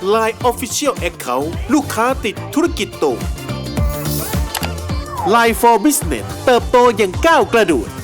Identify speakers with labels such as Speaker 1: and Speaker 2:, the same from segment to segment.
Speaker 1: Line Official Account ลูกค้าติดธุรกิจโต Line for Business เติบโตอย่างก้าวกระโดด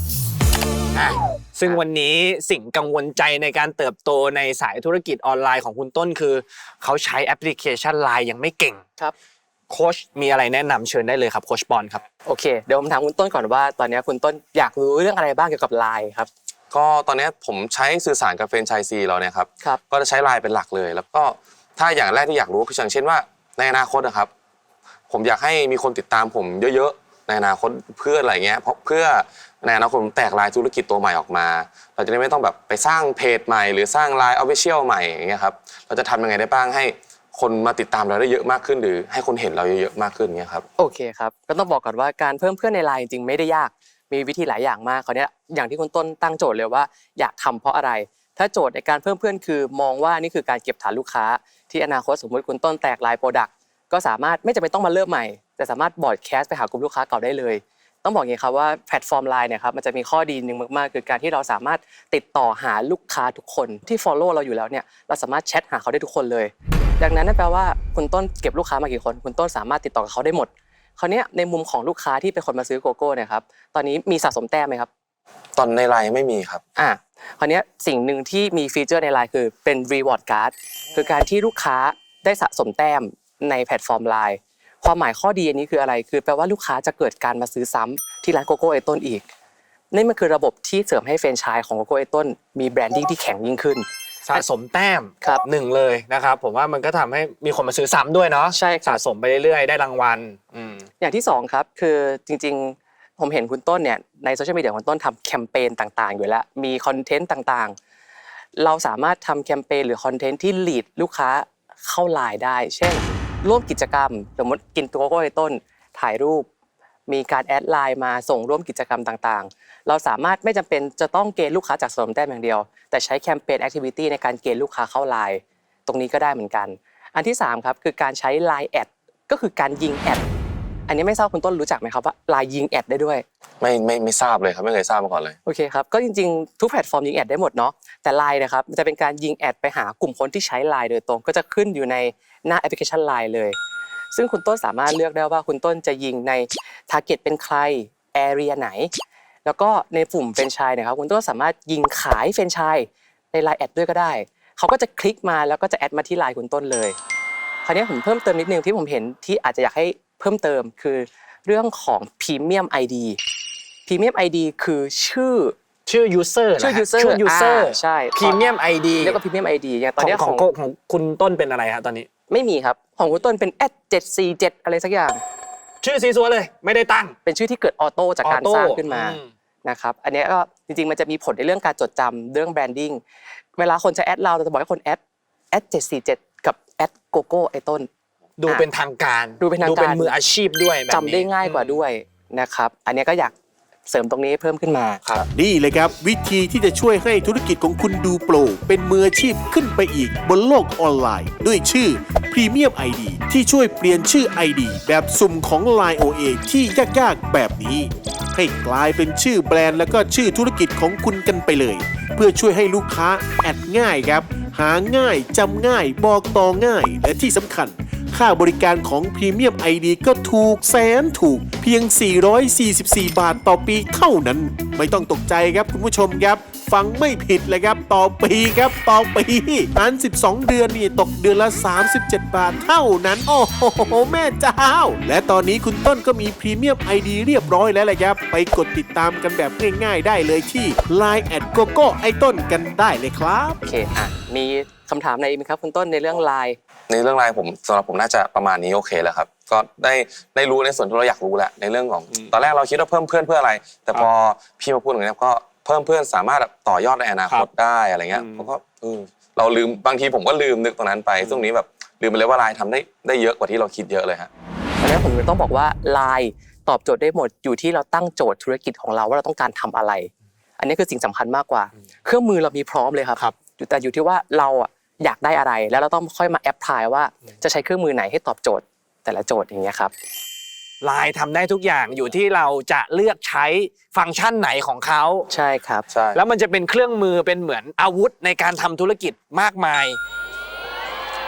Speaker 2: ซึ่งวันนี้สิ่งกังวลใจในการเติบโตในสายธุรกิจออนไลน์ของคุณต้นคือเขาใช้แอปพลิเคชัน Line ยังไม่เก่ง
Speaker 3: ครับ
Speaker 2: โค้ชมีอะไรแนะนำเชิญได้เลยครับโค้ชปอนครับ
Speaker 3: โอเคเดี๋ยวผมถามคุณต้นก่อนว่าตอนนี้คุณต้นอยากรู้เรื่องอะไรบ้างเกี่ยวกับ Line ครับ
Speaker 4: ก็ตอนนี้ผมใช้สื่อสารกับแฟรนไชส์ซีเราเนี่ยครับ
Speaker 3: ครับ
Speaker 4: ก็จะใช้ Line เป็นหลักเลยแล้วก็ถ้าอย่างแรกที่อยากรู้คืออย่างเช่นว่าในอนาคตนะครับผมอยากให้มีคนติดตามผมเยอะๆในอนาคตเพื่ออะไรเงี้ยเพราะเพื่อในอนาคตผมแตกลายธุรกิจตัวใหม่ออกมาเราจะได้ไม่ต้องแบบไปสร้างเพจใหม่หรือสร้าง Line Official ใหม่อย่างเงี้ยครับเราจะทำยังไงได้บ้างให้คนมาติดตามเราได้เยอะมากขึ้นหรือให้คนเห็นเราเยอะๆมากขึ้นเงี้ยครับ
Speaker 3: โอเคครับก็ต้องบอกก่อนว่าการเพิ่มเพื่อนใน Line จริงๆไม่ได้ยากมีวิธีหลายอย่างมากคราวนี้อย่างที่คุณต้นตั้งโจทย์เลยว่าอยากทำเพราะอะไรถ้าโจทย์ในการเพิ่มเพื่อนคือมองว่านี่คือการเก็บฐานลูกค้าที่อนาคตสมมติคุณต้นแตก Line Product ก็สามารถไม่จำเป็นต้องมาเริ่มใหม่แต่สามารถบอร์ดแคสไปหากลุ่มลูกค้าเก่าได้เลยต้องบอกอย่างนี้ครับว่าแพลตฟอร์ม Line เนี่ยครับมันจะมีข้อดีนึงมากๆคือการที่เราสามารถติดต่อหาลูกค้าทุกคนที่ follow เราอยู่แล้วเนี่ยเราสามารถแชทหาเขาได้ทุกคนเลยดังนั้นนั่นแปลว่าคุณต้นเก็บลูกค้ามากี่คนคุณต้นสามารถติดต่อกับเขาได้หมดคราวนี้ในมุมของลูกค้าที่เป็นคนมาซื้อโกโก้เนี่ยครับตอนนี้มีสะสมแต้มไหมครับ
Speaker 4: ตอนใน Line ไม่มีครับ
Speaker 3: คราวนี้สิ่งหนึ่งที่มีฟีเจอร์ใน Line คือเป็น reward card คือการที่ลูกค้าได้สะสมแต้มในแพลตฟอร์ม Line ความหมายข้อดีอันนี้คืออะไรคือแปลว่าลูกค้าจะเกิดการมาซื้อซ้ำที่ร้านโกโก้ไอต้นอีกนี่มันคือระบบที่เสริมให้แฟรนไชส์ของโกโก้ไอต้นมีแบรนดิ้งที่แข็งยิ่งขึ้น
Speaker 2: สะสมแต้ม
Speaker 3: ครับ
Speaker 2: 1เลยนะครับผมว่ามันก็ทำให้มีคนมาซื้อซ้ำด้วยเนาะ
Speaker 3: ใช่
Speaker 2: สะสมไปเรื่อยๆได้รางวัล
Speaker 3: อย่างที่2ครับคือจริงๆผมเห็นคุณต้นเนี่ยในโซเชียลมีเดียคุณต้นทำแคมเปญต่างๆอยู่แล้วมีคอนเทนต์ต่างๆเราสามารถทำแคมเปญหรือคอนเทนต์ที่ลีดลูกค้าเข้า Line ได้เช่นร่วมกิจกรรมสมมติกินโกโก้ไอต้นถ่ายรูปมีการแอดไลน์มาส่งร่วมกิจกรรมต่างๆเราสามารถไม่จำเป็นจะต้องเกณฑ์ลูกค้าจากสะสมแต้มอย่างเดียวแต่ใช้แคมเปญแอคทิวิตี้ในการเกณฑ์ลูกค้าเข้า Line ตรงนี้ก็ได้เหมือนกันอันที่3ครับคือการใช้ Line แอดก็คือการยิงแอดอันนี้ไม่ทราบคุณต้นรู้จักไหมครับว่า Line ยิงแอดได้ด้วย
Speaker 4: ไม่ทราบเลยครับไม่เคยทราบมาก่อนเลย
Speaker 3: โอเคครับก็จริงๆทุกแพลตฟอร์มยิงแอดได้หมดเนาะแต่ Line นะครับมันจะเป็นการยิงแอดไปหากลุ่มคนที่ใช้ Line โดยตรงก็จะขึ้นอยู่ในหน้าแอปพลิเคชัน Line เลยซึ่งคุณต้นสามารถเลือกได้ว่าคุณต้นจะยิงในทาร์เก็ตเป็นใครแอเรียไหนแล้วก็ในกลุ่มแฟรนไชส์นะครับคุณต้นสามารถยิงขายแฟรนไชส์ใน Line แอดด้วยก็ได้เขาก็จะคลิกมาแล้วก็จะแอดมาที่ Line คุณต้นเลยคราวนี้ผมเพิ่มเติมนิดนึงที่ผมเห็นที่อาจจะอยากให้เพิ่มเติมคือเรื่องของ Premium ID Premium ID คือชื่อ
Speaker 2: user
Speaker 3: ชื่อ user ใช่
Speaker 2: Premium ID
Speaker 3: เรียกว่า Premium ID อย่างตอนนี้
Speaker 2: ของคุณต้นเป็นอะไรฮะตอนนี้
Speaker 3: ไม่มีครับของคุณต้นเป็น @747 อะไรสักอย่าง
Speaker 2: ชื่อซีซัวเลยไม่ได้ตั้ง
Speaker 3: เป็นชื่อที่เกิดออโต้จากการสร้างขึ้นมานะครับอันนี้ก็จริงๆมันจะมีผลในเรื่องการจดจำเรื่องแบรนดิ้งเวลาคนจะแอดเราจะบอกให้คนแอด747กับแอดโกโก้ไอต้น
Speaker 2: ดูเป็นทางการ
Speaker 3: ดูเป็น
Speaker 2: มืออาชีพด้วยแบบนี้
Speaker 3: จำได้ง่ายกว่าด้วยนะครับอันนี้ก็อยากเสริมตรงนี้เพิ่มขึ้นมา
Speaker 2: ครับ
Speaker 1: นี่เลยครับวิธีที่จะช่วยให้ธุรกิจของคุณดูโปรเป็นมืออาชีพขึ้นไปอีกบนโลกออนไลน์ด้วยชื่อ Premium ID ที่ช่วยเปลี่ยนชื่อ ID แบบสุ่มของ Line OA ที่ยากๆแบบนี้ให้กลายเป็นชื่อแบรนด์แล้วก็ชื่อธุรกิจของคุณกันไปเลยเพื่อช่วยให้ลูกค้าแอดง่ายครับหาง่ายจำง่ายบอกต่อง่ายและที่สำคัญค่าบริการของ Premium ID ก็ถูกแสนถูกเพียง444 บาทต่อปีเท่านั้นไม่ต้องตกใจครับคุณผู้ชมครับฟังไม่ผิดเลยครับต่อปีครับต่อปีนั้น12 เดือนนี่ตกเดือนละ37 บาทเท่านั้นโอ้โหแม่เจ้าและตอนนี้คุณต้นก็มี Premium ID เรียบร้อยแล้วแหละครับไปกดติดตามกันแบบง่ายๆได้เลยที่ Line @gogo ไอต้นกันได้เลยครับ
Speaker 3: โอเคมีคำถามอะไรไหมครับคุณต้นในเรื่อง Line
Speaker 4: ในเรื่อง Line ผมสำหรับผมน่าจะประมาณนี้โอเคแล้วครับก็ได้รู้ในส่วนที่เราอยากรู้แหละในเรื่องของตอนแรกเราคิดว่าเพิ่มเพื่อนเพื่ออะไรแต่พอพี่มาพูดอย่างนี้ก็เพิ่มเพื่อนสามารถต่อยอดในอนาคตได้อะไรเงี้ยผมก็เราลืมบางทีผมก็ลืมนึกตรงนั้นไปช่วงนี้แบบลืมไปเลยว่า Line ทำได้เยอะกว่าที่เราคิดเยอะเลยฮะ
Speaker 3: ตอนนี้ผมต้องบอกว่า Line ตอบโจทย์ได้หมดอยู่ที่เราตั้งโจทย์ธุรกิจของเราว่าเราต้องการทำอะไรอันนี้คือสิ่งสำคัญมากกว่าเครื่องมือเรามีพร้อมเลยครับแต่อยู่ที่ว่าเราอยากได้อะไรแล้วเราต้องค่อยมาแอปพลายว่าจะใช้เครื่องมือไหนให้ตอบโจทย์แต่ละโจทย์อย่างเงี้ยครับ
Speaker 2: Line ทำได้ทุกอย่างอยู่ที่เราจะเลือกใช้ฟังก์ชันไหนของเขา
Speaker 3: ใช่ครับ
Speaker 4: ใช่
Speaker 2: แล้วมันจะเป็นเครื่องมือเป็นเหมือนอาวุธในการทำธุรกิจมากมาย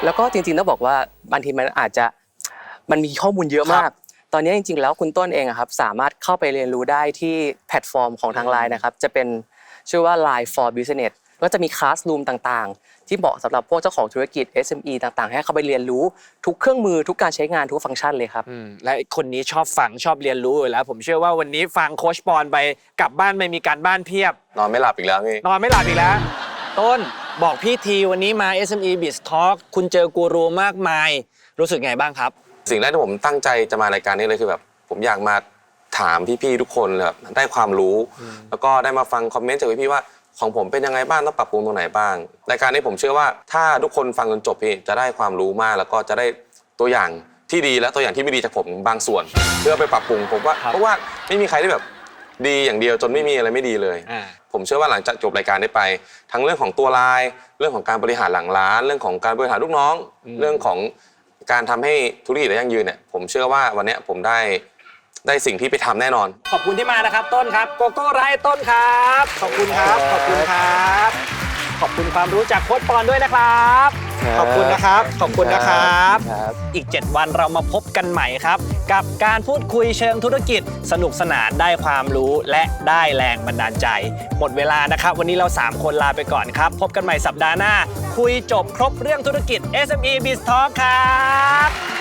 Speaker 3: แล้วก็จริงๆต้องบอกว่าบางทีมันมีข้อมูลเยอะมาก ตอนนี้จริงๆแล้วคุณต้นเองครับสามารถเข้าไปเรียนรู้ได้ที่แพลตฟอร์มของทาง LINE นะครับจะเป็นชื่อว่า LINE for Business ก็จะมีคลาสรูมต่างๆที่เหมาะสำหรับพวกเจ้าของธุรกิจ SME ต่างๆให้เข้าไปเรียนรู้ทุกเครื่องมือทุกการใช้งานทุกฟังก์ชันเลยครับ
Speaker 2: และคนนี้ชอบฟังชอบเรียนรู้อยู่แล้ว ผมเชื่อว่าวันนี้ฟังโค้ชปอนไปกลับบ้านไม่มีการบ้านเพียบ
Speaker 4: นอนไม่หลับอีกแล้วพี่
Speaker 2: นอนไม่หลับอีกแล้ว ต้นบอกพี่ทีวันนี้มา SME Biz Talk คุณเจอกูรูมากมาย รู้สึกไงบ้างครับ
Speaker 4: สิ่งแรกที่ผมตั้งใจจะมารายการนี้เลยคือแบบผมอยากมาถามพี่ๆทุกคนแบบได้ความรู้ แล้วก็ได้มาฟังคอมเมนต์จากพี่ๆว่าของผมเป็นยังไงบ้างต้องปรับปรุงตรงไหนบ้างรายการนี้ผมเชื่อว่าถ้าทุกคนฟังจนจบพี่จะได้ความรู้มากแล้วก็จะได้ตัวอย่างที่ดีและตัวอย่างที่ไม่ดีจากผมบางส่วน เพื่อไปปรับปรุงผมว่าเพราะว่าไม่มีใครที่แบบดีอย่างเดียวจนไม่มีอะไรไม่ดีเลย ผมเชื่อว่าหลังจากจบรายการได้ไปทั้งเรื่องของตัวไลน์เรื่องของการบริหารหลังร้านเรื่องของการบริหารลูกน้องเรื่องของการทำให้ธุรกิจได้ยั่งยืนเนี่ยผมเชื่อว่าวันนี้ผมได้สิ่งที่ไปทำแน่นอน
Speaker 2: ขอบคุณที่มานะครับต้นครับโกโก้ไร้ต้นครับขอบคุณครับขอบคุณครับขอบคุณความรู้จากโค้ชปอนด้วยนะครับขอบคุณนะครับขอบคุณนะครับอีก 7 วันเรามาพบกันใหม่ครับกับการพูดคุยเชิงธุรกิจสนุกสนานได้ความรู้และได้แรงบันดาลใจหมดเวลานะครับวันนี้เรา3คนลาไปก่อนครับพบกันใหม่สัปดาห์หน้าคุยจบครบเรื่องธุรกิจ SME Biz Talk ครับ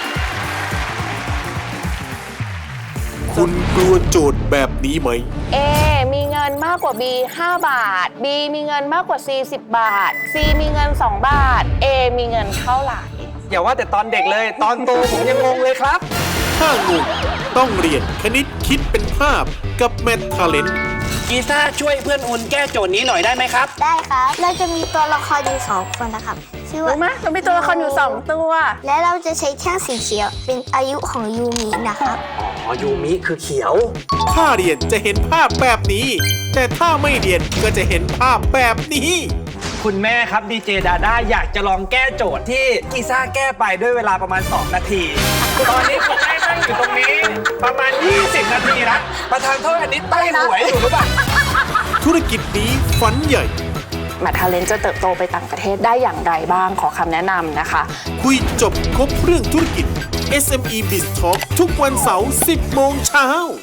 Speaker 1: คุณกลัวโจทย์แบบนี้ไหม
Speaker 5: A มีเงินมากกว่า B 5 บาท B มีเงินมากกว่า C 10 บาท C มีเงิน2 บาท A มีเงินเท่าไหร่
Speaker 2: อย่าว่าแต่ตอนเด็กเลยตอนโตผมยังงงเลยครับ
Speaker 1: ถ้างงต้องเรียนคณิตคิดเป็นภาพกับแมททาเลนต์
Speaker 2: กีซ่าช่วยเพื่อนอุ่นแก้โจทย์นี้หน่อยได้ไหมครับ
Speaker 6: ได้ครับ เราจะมีตัวละครอยู่2 คนนะครับ ชื่อว่า
Speaker 5: รู้ไหมเรามีตัวละครอยู่2 ตัว
Speaker 6: และเราจะใช้แท่งสีเขียวเป็นอายุของยูมินะครับ
Speaker 2: อ๋อยูมิคือเขียว
Speaker 1: ถ้าเรียนจะเห็นภาพแบบนี้ แต่ถ้าไม่เรียนก็จะเห็นภาพแบบนี้
Speaker 2: คุณแม่ครับดีเจดาด้าอยากจะลองแก้โจทย์ที่กีซ่าแก้ไปด้วยเวลาประมาณ2 นาที ตอนนี้คุณแม่นั่งอยู่ตรงนี้ประมาณ20 นาทีแล้วประธานโทษอันนี้ใต้หวยอยู่หรือเปล่า
Speaker 1: ธุรกิจนี้ฝันใหญ่
Speaker 5: แมททาเลนจะเติบโตไปต่างประเทศได้อย่างไรบ้างขอคำแนะนำนะคะ
Speaker 1: คุยจบครบเรื่องธุรกิจ SME Biz Talk ทุกวันเสาร์ 10 โมงเช้า